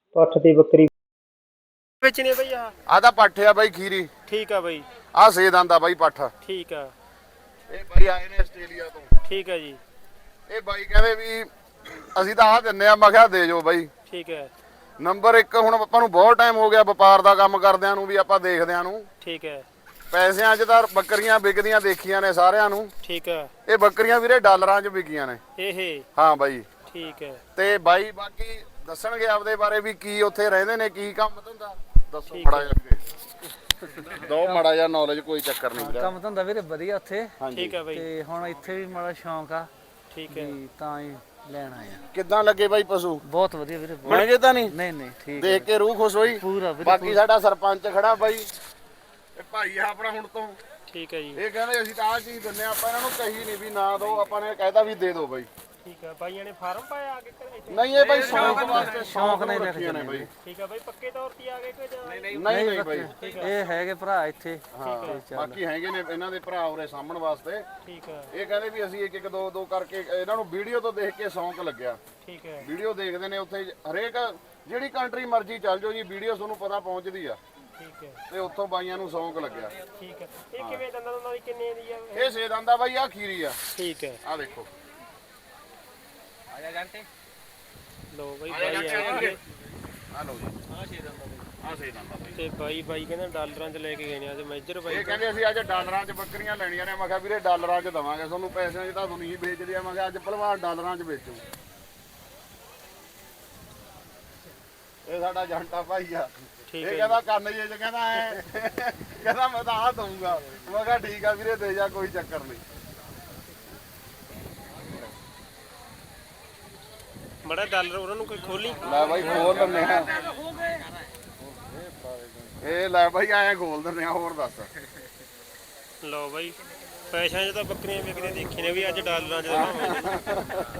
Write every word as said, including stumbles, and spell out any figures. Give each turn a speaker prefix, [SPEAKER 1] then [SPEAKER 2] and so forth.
[SPEAKER 1] ਪੱਠ ਤੇ ਬੱਕਰੀ ਵੇਚਣੀ ਬਈ ਆ
[SPEAKER 2] ਆ ਤਾਂ ਪੱਠ ਆ ਬਾਈ ਖੀਰੀ।
[SPEAKER 1] ਠੀਕ ਆ ਬਈ।
[SPEAKER 2] ਆ ਸੇ ਦੰਦਾ ਬਾਈ ਪੱਠ।
[SPEAKER 1] ਠੀਕ ਆ।
[SPEAKER 2] ਇਹ ਬਾਈ ਆਏ ਨੇ ਆਸਟ੍ਰੇਲੀਆ ਤੋਂ।
[SPEAKER 1] ਠੀਕ ਆ ਜੀ।
[SPEAKER 2] ਇਹ ਬਾਈ ਕਹਿੰਦੇ ਵੀ ਅਸੀਂ ਤਾਂ ਆ ਦਿੰਨੇ ਆ, ਮੈਂ ਕਿਹਾ ਦੇ ਜੋ ਬਾਈ।
[SPEAKER 1] ਠੀਕ ਹੈ।
[SPEAKER 2] ਨੰਬਰ ਇੱਕ ਹੁਣ ਆਪਾਂ ਨੂੰ ਬਹੁਤ ਟਾਈਮ ਹੋ ਗਿਆ ਵਪਾਰ ਦਾ ਕੰਮ ਕਰਦਿਆਂ ਨੂੰ, ਵੀ ਆਪਾਂ ਦੇਖਦਿਆਂ ਨੂੰ।
[SPEAKER 1] ਠੀਕ ਹੈ।
[SPEAKER 2] ਪੈਸਿਆਂ 'ਚ ਤਾਂ ਬੱਕਰੀਆਂ ਵਿਕਦੀਆਂ ਦੇਖੀਆਂ ਨੇ ਸਾਰਿਆਂ ਨੂੰ।
[SPEAKER 1] ਠੀਕ ਹੈ।
[SPEAKER 2] ਇਹ ਬੱਕਰੀਆਂ ਵੀਰੇ ਡਾਲਰਾਂ 'ਚ ਵਿਕੀਆਂ ਨੇ
[SPEAKER 1] ਇਹ। ਹਾਂ
[SPEAKER 2] ਬਾਈ।
[SPEAKER 1] ਠੀਕ ਹੈ।
[SPEAKER 2] ਤੇ ਬਾਈ ਬਾਕੀ ਦੱਸਣਗੇ ਆਪਦੇ ਬਾਰੇ ਵੀ ਕੀ ਉੱਥੇ ਰਹਿੰਦੇ ਨੇ, ਕੀ ਕੰਮ ਧੰਦਾ ਦੱਸੋ
[SPEAKER 1] ਠੀਕ
[SPEAKER 2] ਮੜਾ ਜਾ ਦੋ ਮੜਾ ਜਾ ਨੌਲੇਜ, ਕੋਈ ਚੱਕਰ ਨਹੀਂ ਵੀਰੇ।
[SPEAKER 3] ਕੰਮ ਧੰਦਾ ਵੀਰੇ ਵਧੀਆ ਉੱਥੇ।
[SPEAKER 1] ਠੀਕ ਹੈ ਬਾਈ।
[SPEAKER 3] ਤੇ ਹੁਣ ਇੱਥੇ ਵੀ ਮਾੜਾ ਸ਼ੌਂਕ ਆ।
[SPEAKER 1] ਠੀਕ ਹੈ।
[SPEAKER 3] ਤਾਂ ਹੀ ਲੈਣ ਆਏ ਆ।
[SPEAKER 2] ਕਿੱਦਾਂ ਲੱਗੇ ਬਾਈ ਪਸ਼ੂ?
[SPEAKER 3] ਬਹੁਤ ਵਧੀਆ ਵੀਰੇ।
[SPEAKER 2] ਮਹਿੰਗੇ ਤਾਂ ਨਹੀਂ?
[SPEAKER 3] ਨਹੀਂ ਨਹੀਂ ਠੀਕ
[SPEAKER 2] ਦੇਖ ਕੇ ਰੂਹ ਖੁਸ਼ ਹੋਈ
[SPEAKER 3] ਪੂਰਾ ਵੀਰੇ।
[SPEAKER 2] ਬਾਕੀ ਸਾਡਾ ਸਰਪੰਚ ਖੜਾ ਬਾਈ, ਇਹ ਭਾਈ ਆ ਆਪਣਾ ਹੁਣ ਤੋਂ।
[SPEAKER 1] ਠੀਕ ਹੈ ਜੀ।
[SPEAKER 2] ਇਹ ਕਹਿੰਦੇ ਅਸੀਂ ਤਾਂ ਆਹ ਚੀਜ਼ ਦਿੰਨੇ ਆ, ਆਪਾਂ ਇਹਨਾਂ ਨੂੰ ਕਹੀ ਨਹੀਂ ਵੀ ਨਾ ਦੋ, ਆਪਾਂ ਨੇ ਕਹਿਤਾ ਵੀ ਦੇ ਦੋ ਬਾਈ।
[SPEAKER 1] ਠੀਕ ਹੈ। ਬਾਈਆਂ ਨੇ ਫਾਰਮ ਪਾਇਆ ਆ ਕੇ ਇੱਥੇ?
[SPEAKER 2] ਨਹੀਂ ਇਹ ਬਾਈ ਸ਼ੌਂਕ ਵਾਸਤੇ, ਸ਼ੌਂਕ ਨਹੀਂ ਰੱਖੀਆਂ ਨੇ ਬਾਈ।
[SPEAKER 1] ਠੀਕ ਹੈ ਬਾਈ। ਪੱਕੇ ਤੌਰ ਤੇ ਆ ਗਏ ਕਿ ਜਾਂ
[SPEAKER 2] ਨਹੀਂ ਨਹੀਂ ਬਾਈ,
[SPEAKER 3] ਇਹ ਹੈਗੇ ਭਰਾ ਇੱਥੇ।
[SPEAKER 2] ਹਾਂ ਬਾਕੀ ਹੈਗੇ ਨੇ ਇਹਨਾਂ ਦੇ ਭਰਾ ਉਰੇ ਸਾਹਮਣ ਵਾਸਤੇ।
[SPEAKER 1] ਠੀਕ ਹੈ।
[SPEAKER 2] ਇਹ ਕਹਿੰਦੇ ਵੀ ਅਸੀਂ ਇੱਕ ਇੱਕ ਦੋ ਦੋ ਕਰਕੇ, ਇਹਨਾਂ ਨੂੰ ਵੀਡੀਓ ਤੋਂ ਦੇਖ ਕੇ ਸ਼ੌਂਕ ਲੱਗਿਆ।
[SPEAKER 1] ਠੀਕ ਹੈ।
[SPEAKER 2] ਵੀਡੀਓ ਦੇਖਦੇ ਨੇ ਉੱਥੇ, ਹਰੇਕ ਜਿਹੜੀ ਕੰਟਰੀ ਮਰਜ਼ੀ ਚੱਲ ਜਾਓ ਜੀ, ਵੀਡੀਓ ਤੁਹਾਨੂੰ ਪਤਾ ਪਹੁੰਚਦੀ ਆ।
[SPEAKER 1] ਠੀਕ ਹੈ।
[SPEAKER 2] ਤੇ ਉੱਥੋਂ ਬਾਈਆਂ ਨੂੰ ਸ਼ੌਂਕ ਲੱਗਿਆ।
[SPEAKER 1] ਠੀਕ ਹੈ। ਇਹ ਕਿਵੇਂ ਦੰਦਾਂ ਦੰਦਾਂ ਦੀ ਕਿੰਨੇ ਦੀ ਆ?
[SPEAKER 2] ਇਹ ਸੇ ਦੰਦਾ ਬਾਈ ਆ ਖੀਰੀ ਆ।
[SPEAKER 1] ਠੀਕ ਹੈ।
[SPEAKER 2] ਆ ਦੇਖੋ
[SPEAKER 1] ਲੋ ਬਾਈ ਬਾਈ ਆ ਗਏ।
[SPEAKER 2] ਆ ਲਓ ਜੀ, ਆ ਸੇ ਦੰਦਾ ਬਾਈ, ਆ ਸੇ ਦੰਦਾ ਬਾਈ।
[SPEAKER 1] ਤੇ ਬਾਈ ਬਾਈ ਕਹਿੰਦਾ ਡਾਲਰਾਂ 'ਚ ਲੈ ਕੇ ਗਏ ਨੇ ਅੱਜ ਮੇਜਰ ਬਾਈ।
[SPEAKER 2] ਇਹ ਕਹਿੰਦੇ ਅਸੀਂ ਅੱਜ ਡਾਲਰਾਂ 'ਚ ਬੱਕਰੀਆਂ ਲੈਣੀਆਂ ਨੇ। ਮੈਂ ਕਿਹਾ ਵੀਰੇ ਡਾਲਰਾਂ 'ਚ ਦਵਾਂਗੇ ਤੁਹਾਨੂੰ, ਪੈਸਿਆਂ 'ਚ ਤਾਂ ਨਹੀਂ ਵੇਚਦੇ ਆ। ਮੈਂ ਕਿਹਾ ਅੱਜ ਭਲਵਾਨ ਡਾਲਰਾਂ 'ਚ ਵੇਚੂ। ਇਹ ਸਾਡਾ ਜੰਟਾ ਭਾਈ ਆ।
[SPEAKER 1] ਠੀਕ
[SPEAKER 2] ਇਹ
[SPEAKER 1] ਹੈ।
[SPEAKER 2] ਕਹਿੰਦਾ ਕੰਨ ਜੇ ਚ ਕਹਿੰਦਾ ਐ, ਕਹਿੰਦਾ ਮੈਂ ਤਾਂ ਆ ਦਊਂਗਾ। ਮੈਂ ਕਿਹਾ ਠੀਕ ਆ ਵੀਰੇ ਦੇ ਜਾ, ਕੋਈ ਚੱਕਰ ਨਹੀਂ।
[SPEAKER 1] ਮੜਾ ਡਾਲਰ ਉਹਨਾਂ ਨੂੰ ਕੋਈ ਖੋਲੀ।
[SPEAKER 2] ਲੈ ਬਾਈ ਖੋਲ ਲੈਨੇ ਆ। ਇਹ ਲੈ ਬਾਈ ਐਂ ਖੋਲ ਦਿੰਦੇ ਆ, ਹੋਰ ਦੱਸ।
[SPEAKER 1] ਲਓ ਬਾਈ ਪੈਸਿਆਂ 'ਚ ਤਾਂ ਬੱਕਰੀਆਂ ਵਿਕਦੀਆਂ ਦੇਖੀ ਨੇ ਵੀ ਅੱਜ ਡਾਲਰਾਂ 'ਚ